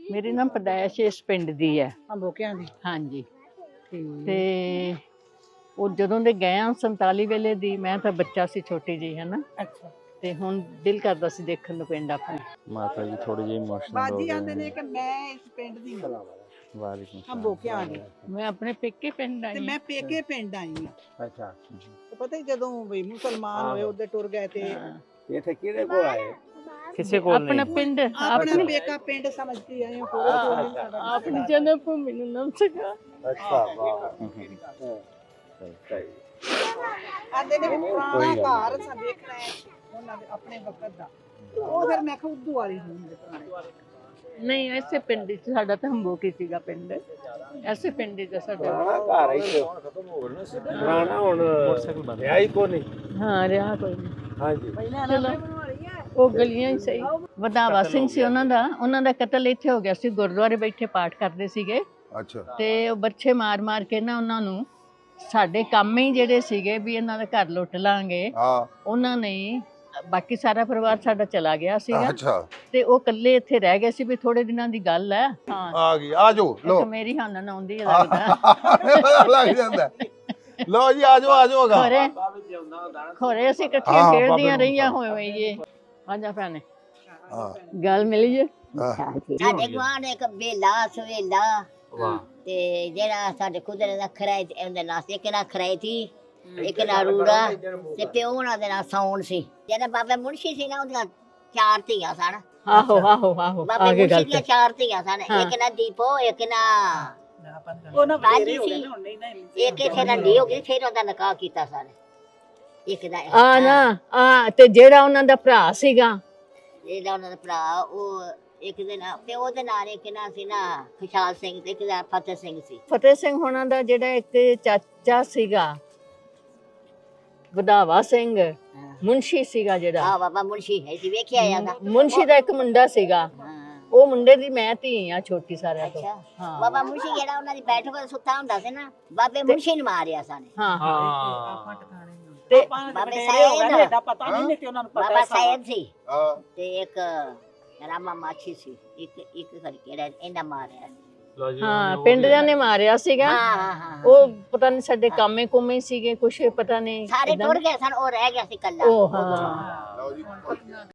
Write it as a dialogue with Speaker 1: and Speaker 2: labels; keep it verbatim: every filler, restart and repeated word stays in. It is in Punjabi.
Speaker 1: ਮੇਰੀ ਨਾ ਪਦਾਇਸ਼ ਇਸ ਪਿੰਡ ਦੀ ਹੈ,
Speaker 2: ਅੰਬੋਕਿਆਂ ਦੀ।
Speaker 1: ਹਾਂਜੀ।
Speaker 2: ਠੀਕ।
Speaker 1: ਤੇ ਉਹ ਜਦੋਂ ਦੇ ਗਏ ਆ ਸੰਤਾਲੀ ਵੇਲੇ ਦੀ, ਮੈਂ ਤਾਂ ਬੱਚਾ ਸੀ ਛੋਟੀ ਜਿਹੀ, ਹੈ ਨਾ।
Speaker 2: ਅੱਛਾ।
Speaker 1: ਤੇ ਹੁਣ ਦਿਲ ਕਰਦਾ ਸੀ ਦੇਖਣ ਨੂੰ ਪਿੰਡ ਆਪਣਾ।
Speaker 3: ਮਾਤਾ ਜੀ ਥੋੜੀ ਜਿਹੀ ਇਮੋਸ਼ਨਲ ਹੋ
Speaker 2: ਬਾਜੀ
Speaker 3: ਗਏ
Speaker 2: ਆਂਦੇ ਨੇ ਕਿ ਮੈਂ ਇਸ ਪਿੰਡ ਦੀ ਹਾਂ,
Speaker 3: ਵਾਲੇਕੁਮ ਸਲਾਮ।
Speaker 2: ਅੰਬੋਕਿਆਂ ਦੀ।
Speaker 1: ਮੈਂ ਆਪਣੇ ਪੇਕੇ ਪਿੰਡ
Speaker 2: ਤੇ
Speaker 1: ਆਈ
Speaker 2: ਮੈਂ ਪੇਕੇ ਪਿੰਡ ਆਈ ਹਾਂ।
Speaker 4: ਅੱਛਾ
Speaker 2: ਤੇ ਪਤਾ ਹੀ ਜਦੋਂ ਵੀ ਮੁਸਲਮਾਨ ਹੋਏ ਉਹਦੇ ਟੁਰ ਗਏ ਤੇ
Speaker 1: ਹਾਂ।
Speaker 4: ਇੱਥੇ ਕਿਹਦੇ ਕੋਲ ਆਏ?
Speaker 3: ਕਿਸੇ ਕੋਲ
Speaker 1: ਆਪਣਾ
Speaker 3: ਨਹੀਂ।
Speaker 1: ਪਿੰਡ
Speaker 2: ਆਪਣਾ
Speaker 1: ਆਪਣੀ
Speaker 2: ਪੇਕਾ ਪਿੰਡ ਸਮਝਦੀ ਆਏ ਹਾਂ, ਹੋਰ ਕੋਈ ਨਹੀਂ ਸਾਡਾ।
Speaker 1: ਆਪਣੀ ਜਨਮ ਭੂਮੀ ਨੂੰ ਨਾਮ ਸਗਾ।
Speaker 4: ਅੱਛਾ ਵਾਹ ਸਹੀ।
Speaker 2: ਆਂਦੇ ਨੇ ਵੀ ਪੁਰਾਣਾ ਘਰ ਸਾਂ ਦੇਖਣਾ ਹੈ ਉਹਨਾਂ ਦੇ ਆਪਣੇ ਵਕਤ ਦਾ। ਉਹ ਫਿਰ ਮੈਂ ਕਿਹਾ ਉਦੋਂ ਵਾਲੀ ਹੁੰਦੀ ਪੁਰਾਣੇ।
Speaker 1: ਨਹੀਂ, ਐਸੇ ਪਿੰਡ ਚ ਸਾਡਾ ਤਾਂ ਹੰਬੋਕੀ ਸੀਗਾ ਪਿੰਡ, ਐਸੇ ਪਿੰਡ ਚ ਸਾਡਾ।
Speaker 4: ਪੁਰਾਣਾ ਘਰ ਇੱਥੇ ਪੁਰਾਣਾ ਹੁਣ
Speaker 3: ਮੋਟਰਸਾਈਕਲ ਬੰਦ
Speaker 4: ਹੈ ਹੀ ਕੋ ਨਹੀਂ।
Speaker 1: ਹਾਂ, ਰਿਹਾ ਕੋਈ ਨਹੀਂ।
Speaker 4: ਹਾਂਜੀ
Speaker 1: ਚਲੋ ਉਹ ਗਲੀਆਂ ਹੀ ਸਹੀ। ਵਧਾਵਾ ਸਿੰਘ ਸੀ ਉਹਨਾਂ ਦਾ, ਉਹਨਾਂ ਦਾ ਕਤਲ ਇੱਥੇ ਹੋ ਗਿਆ ਸੀ, ਗੁਰਦੁਆਰੇ ਬੈਠੇ ਪਾਠ ਕਰਦੇ ਸੀਗੇ।
Speaker 5: ਅੱਛਾ।
Speaker 1: ਤੇ ਉਹ ਬੱਚੇ ਮਾਰ ਮਾਰ ਕੇ ਨਾ ਉਹਨਾਂ ਨੂੰ, ਸਾਡੇ ਕੰਮ ਹੀ ਜਿਹੜੇ ਸੀਗੇ ਵੀ ਇਹਨਾਂ ਦਾ ਘਰ ਲੁੱਟ ਲਾਂਗੇ,
Speaker 5: ਹਾਂ
Speaker 1: ਉਹਨਾਂ ਨੇ, ਬਾਕੀ ਸਾਰਾ ਪਰਿਵਾਰ ਸਾਡਾ ਚਲਾ ਗਿਆ ਸੀਗਾ
Speaker 5: ਅੱਛਾ
Speaker 1: ਤੇ ਉਹ ਇਕੱਲੇ ਇੱਥੇ ਰਹਿ ਗਏ ਸੀ। ਵੀ ਥੋੜੇ ਦਿਨਾਂ ਦੀ ਗੱਲ ਹੈ। ਹਾਂ,
Speaker 5: ਆ ਗਈ, ਆ ਜਾਓ ਲੋ
Speaker 1: ਇੱਕ ਮੇਰੀ ਹਾਨਨ ਆਉਂਦੀ ਹੈ ਲੱਗਦਾ।
Speaker 5: ਲੱਗ ਜਾਂਦਾ। ਲੋ ਜੀ ਆ ਜਾਓ ਆ ਜਾਓਗਾ।
Speaker 1: ਖੋਰੇ ਖੋਰੇ ਅਸੀਂ ਇਕੱਠੀਆਂ
Speaker 5: ਹਾਂ,
Speaker 1: ਖੇਡਦੀਆਂ
Speaker 5: ਬਾਬੇ
Speaker 1: ਰਹੀਆਂ ਹੋਏ ਹੋਈਏ। ਆਜਾ ਭੈਣੇ,
Speaker 5: ਹਾਂ
Speaker 1: ਗੱਲ ਮਿਲੀ ਜੇ।
Speaker 6: ਸਾਡੇ ਗੁਆਂਢ ਇੱਕ ਬੇਲਾ ਸਵੇਲਾ
Speaker 3: ਵਾਹ
Speaker 6: ਤੇ ਜਿਹੜਾ ਸਾਡੇ ਕੁਦਰਤ ਦਾ ਖਰਾਇ ਤੇ ਉਹਦੇ ਨਾਲ ਇੱਕ ਨਾ ਖਰਾਇ ਸੀ, ਇੱਕ ਨਾ ਰੂੜਾ ਤੇ ਪਿਓ ਉਹਨਾਂ ਦੇ ਨਾਲ ਸੌਣ ਸੀ। ਜਿਹੜਾ ਬਾਬਾ ਮੁਨਸ਼ੀ ਸੀ ਨਾ, ਉਹਦੀਆਂ ਚਾਰ ਧੀਆਂ ਸਨ।
Speaker 1: ਆਹੋ ਆਹੋ ਆਹੋ
Speaker 6: ਬਾਬੇ
Speaker 1: ਆਗੇ ਗੱਲ
Speaker 6: ਮੁਨਸ਼ੀ ਦੀਆਂ ਚਾਰ ਧੀਆਂ ਸਨ। ਇੱਕ ਨਾ ਦੀਪੋ, ਇੱਕ ਨਾ
Speaker 2: ਉਹਨਾਂ
Speaker 6: ਬਾਜੀ
Speaker 2: ਬਥੇਰੇ ਹੋ ਗਏ
Speaker 6: ਸੀ,
Speaker 2: ਨੇ ਹੁਣ ਨਹੀਂ ਨਾ।
Speaker 6: ਇੱਕ ਇੱਥੇ ਰੰਡੀ ਹੋ ਗਈ, ਫਿਰ ਉਹਦਾ ਨਿਕਾਹ ਕੀਤਾ ਸਨ। ਇੱਕ ਦਾ
Speaker 1: ਆ ਨਾ ਆ ਤੇ ਜਿਹੜਾ ਉਹਨਾਂ ਦਾ ਭਰਾ ਸੀਗਾ,
Speaker 6: ਜਿਹੜਾ ਉਹਨਾਂ ਦਾ ਭਰਾ, ਉਹ ਇੱਕ ਦੇ ਨਾਲ ਪਿਓ ਦੇ ਨਾਲ, ਇੱਕ ਨਾ ਸੀ ਨਾ ਖੁਸ਼ਹਾਲ ਸਿੰਘ ਤੇ ਇੱਕ ਦਾ ਫਤਿਹ ਸਿੰਘ ਸੀ।
Speaker 1: ਫਤਿਹ ਸਿੰਘ ਹੋਣਾ ਦਾ ਜਿਹੜਾ ਇੱਕ ਚਾਚਾ ਸੀਗਾ ਵਧਾਵਾ ਸਿੰਘ, ਮੁਨਸ਼ੀ ਸੀਗਾ ਜਿਹੜਾ।
Speaker 6: ਆ ਬਾਬਾ ਮੁਨਸ਼ੀ ਹੈ ਸੀ, ਵੇਖਿਆ ਜਾਂਦਾ।
Speaker 1: ਮੁਨਸ਼ੀ ਦਾ ਇੱਕ ਮੁੰਡਾ ਸੀਗਾ,
Speaker 6: ਹਾਂ
Speaker 1: ਉਹ ਮੁੰਡੇ ਦੀ ਮੈਂ ਧੀ ਆ ਛੋਟੀ ਸਾਰਿਆਂ ਤੋਂ।
Speaker 6: ਅੱਛਾ।
Speaker 1: ਹਾਂ
Speaker 6: ਬਾਬਾ ਮੁਨਸ਼ੀ ਜਿਹੜਾ ਉਹਨਾਂ ਦੀ ਬੈਠਕ ਤੇ ਸੁੱਤਾ ਹੁੰਦਾ ਸੀ ਨਾ, ਬਾਬੇ ਮੁਨਸ਼ੀ ਨੂੰ ਮਾਰਿਆ ਸਾਨੇ।
Speaker 1: ਹਾਂ
Speaker 3: ਹਾਂ
Speaker 1: ਤੇ
Speaker 6: ਬਾਬੇ ਸਾਇਦ
Speaker 2: ਦਾ ਪਤਾ ਨਹੀਂ ਨੇ ਤੇ ਉਹਨਾਂ ਨੂੰ ਪਤਾ
Speaker 6: ਬਾਬਾ
Speaker 2: ਹੈ
Speaker 6: ਸਾਇਦ ਸੀ
Speaker 5: ਹਾਂ
Speaker 6: ਤੇ ਇੱਕ ਰਾਮਾ ਮਾਛੀ ਸੀ, ਇੱਕ ਇੱਕ ਕਰਕੇ ਜਿਹੜਾ ਇਹਨਾਂ ਮਾਰਿਆ।
Speaker 3: ਲੋ ਜੀ
Speaker 1: ਹਾਂ, ਪਿੰਡ ਦੇ ਨੇ ਮਾਰਿਆ ਸੀਗਾ।
Speaker 6: ਹਾਂ ਹਾਂ ਹਾਂ
Speaker 1: ਉਹ ਪਤਾ ਨਹੀਂ ਸਾਡੇ ਕਾਮੇ ਕੁਮੇ ਸੀਗੇ ਕੁਛ, ਪਤਾ ਨਹੀਂ
Speaker 6: ਸਾਰੇ ਟੁਰ ਗਏ ਸਨ, ਉਹ ਰਹਿ ਗਿਆ ਸੀ ਕੱਲਾ।
Speaker 1: ਉਹ ਹਾਂ।
Speaker 5: ਲਓ ਜੀ